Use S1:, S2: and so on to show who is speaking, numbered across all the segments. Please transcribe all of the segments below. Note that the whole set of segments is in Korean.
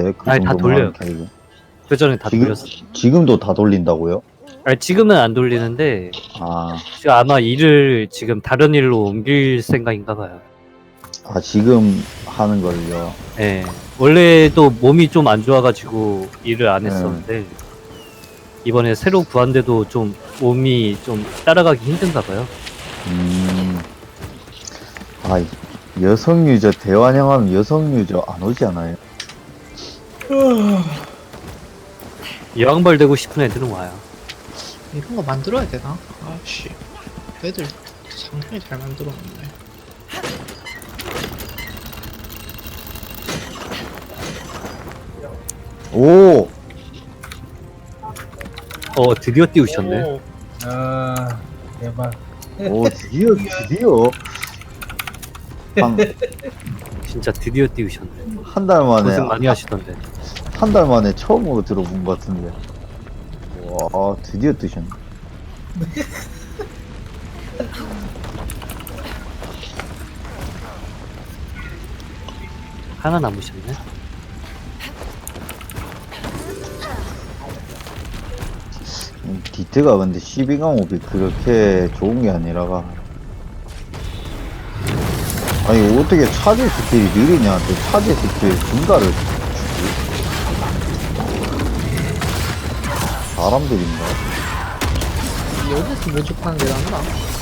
S1: 돌리던데 그
S2: 아니, 다
S1: 정도만
S2: 돌려요.
S1: 캐릭은.
S2: 그 전에 다
S1: 지금
S2: 돌렸어.
S1: 지금도 다 돌린다고요?
S2: 아니, 지금은 안 돌리는데
S1: 아,
S2: 지금 아마 일을 지금 다른 일로 옮길 생각인가 봐요.
S1: 아 지금 하는 걸요.
S2: 예. 원래도 몸이 좀 안 좋아가지고 일을 안
S1: 네.
S2: 했었는데 이번에 새로 구한데도 좀 몸이 좀 따라가기 힘든가 봐요.
S1: 아 여성 유저 대환영하면 여성 유저 안 오지 않아요?
S2: 여왕벌 되고 싶은 애들은 와요.
S3: 이런 거 만들어야 되나? 아씨, 애들 상당히 잘 만들었는데.
S1: 오,
S2: 드디어 띄우셨네.
S4: 아, 대박.
S1: 오 드디어
S2: 진짜 드디어 띄우셨네.
S1: 한 달 만에
S2: 고생 많이 하시던데.
S1: 한 달 만에 처음으로 들어본 것 같은데. 와 드디어 뜨셨네.
S2: 하나 남으셨네.
S1: 디트가 근데 12강업이 그렇게 좋은 게 아니라가. 아니 어떻게 차지 스킬이 느리냐? 또 차지 스킬 증가를 주지? 사람들인가?
S3: 여기서 모집하는 게 낫나?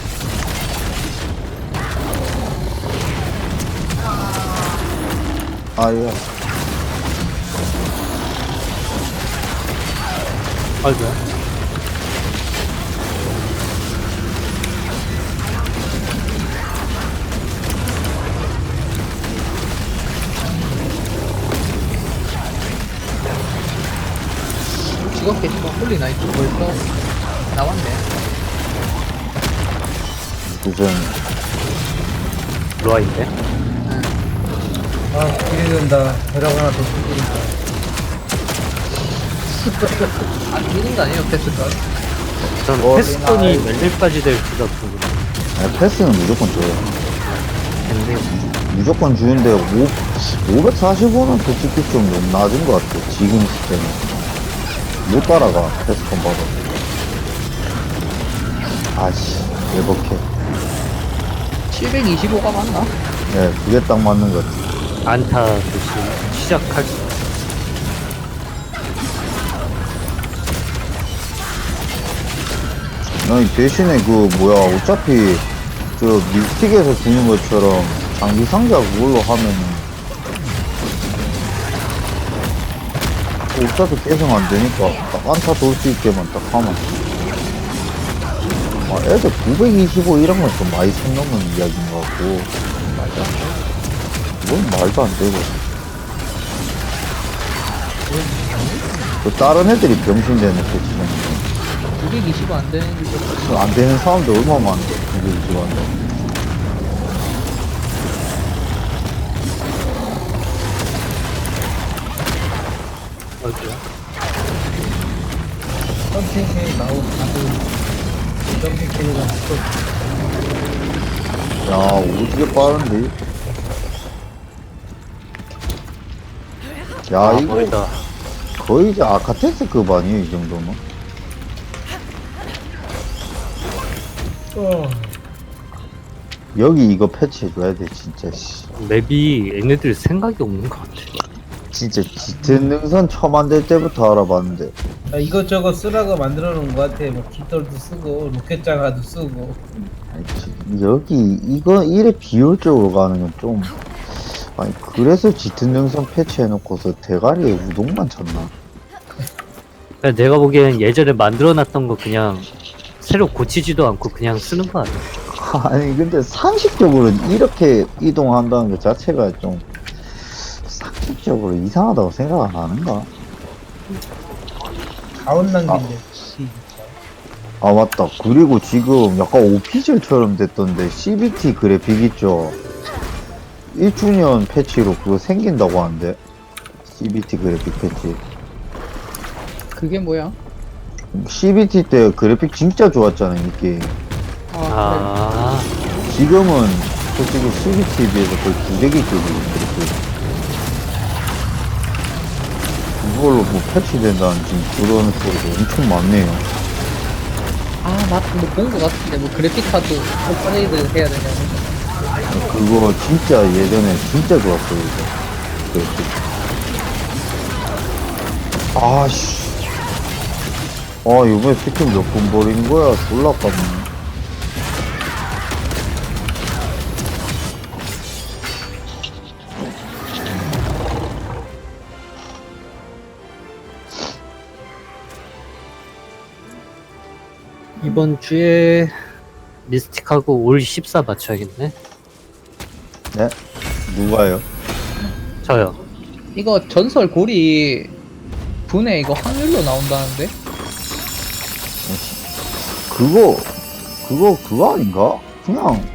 S1: 아야
S2: 아이고야.
S3: 직업 캐릭터 홀리나이트 벌써 나왔네.
S1: 무슨
S2: 로아인데.
S4: 아, 기대된다. 벼락 하나 더 뜯기니까.
S3: 안 뛰는 거 아니에요, 패스가?
S2: 전 패스톤이 몇 일까지 될지가 궁금해.
S1: 아니, 패스는 무조건 줘요.
S2: 근데
S1: 무조건 주는데 545는 솔직히 좀 너무 낮은 것 같아. 지금 시스템은 못 따라가. 패스권 받아. 아씨 예복해.
S3: 725가 맞나?
S1: 예, 그게 딱 맞는 것 같아.
S2: 안타 대신 시작할 수.
S1: 아니 대신에 그 뭐야 어차피 저 밀틱에서 주는 것처럼 장비 상자 그걸로 하면은 어차피 계속 안 되니까 딱 안타 돌 수 있게만 딱 하면. 아, 애들 925 이런 건 좀 많이 선 넘는 이야기인 것 같고. 이건 말도 안 되고. 또 다른 애들이 병신되는 패치는
S3: 925 안 되는 게
S1: 안 되는 사람들 얼마나 많은데, 925한다.
S2: 아이고야.
S4: 점핑 캐릭 나오고, 다들 점핑 캐릭은 또
S1: 야, 오지게 빠른데? 야, 이거
S2: 멀다.
S1: 거의 이제 아카테스급 아니에요, 이 정도면? 여기 이거 패치해줘야 돼, 진짜, 씨.
S2: 맵이 얘네들 생각이 없는 것 같아.
S1: 진짜 짙은 능선 처음 만들 때부터 알아봤는데.
S4: 아, 이것저것 쓰라고 만들어 놓은 것 같아. 뭐, 깃털도 쓰고, 로켓 장화도 쓰고.
S1: 아니, 여기, 이거, 이래 비효율적으로 가는 건 좀. 아니, 그래서 짙은 능선 패치해놓고서 대가리에 우동만 쳤나?
S2: 그냥 내가 보기엔 예전에 만들어놨던 거 그냥 새로 고치지도 않고 그냥 쓰는 거 아니야?
S1: 아니, 근데 상식적으로는 이렇게 이동한다는 것 자체가 좀, 상식적으로 이상하다고 생각 안 하는가?
S4: 가온 낭비인데.
S1: 아, 맞다. 그리고 지금 약간 오피셜처럼 됐던데, CBT 그래픽 있죠? 1주년 패치로 그거 생긴다고 하는데, CBT 그래픽 패치.
S3: 그게 뭐야?
S1: CBT 때 그래픽 진짜 좋았잖아요, 이 게임.
S2: 아,
S1: 지금은 솔직히 CBT에 비해서 거의 부대기급이에요, 그래픽. 그걸로 뭐 패치된다는 지금 그런 소리도 엄청 많네요.
S3: 본 거 같은데, 뭐, 그래픽카드 업그레이드 해야 되냐고.
S1: 그거 진짜 예전에 진짜 좋았어요. 이거. 아씨. 이번에 스킬 몇 번 버린 거야? 졸라 깝네.
S2: 이번 주에 미스틱하고 올 14 맞춰야겠네.
S1: 네? 누가요?
S2: 저요.
S3: 이거 전설 고리 분해 이거 확률로 나온다는데?
S1: 그거 아닌가? 그냥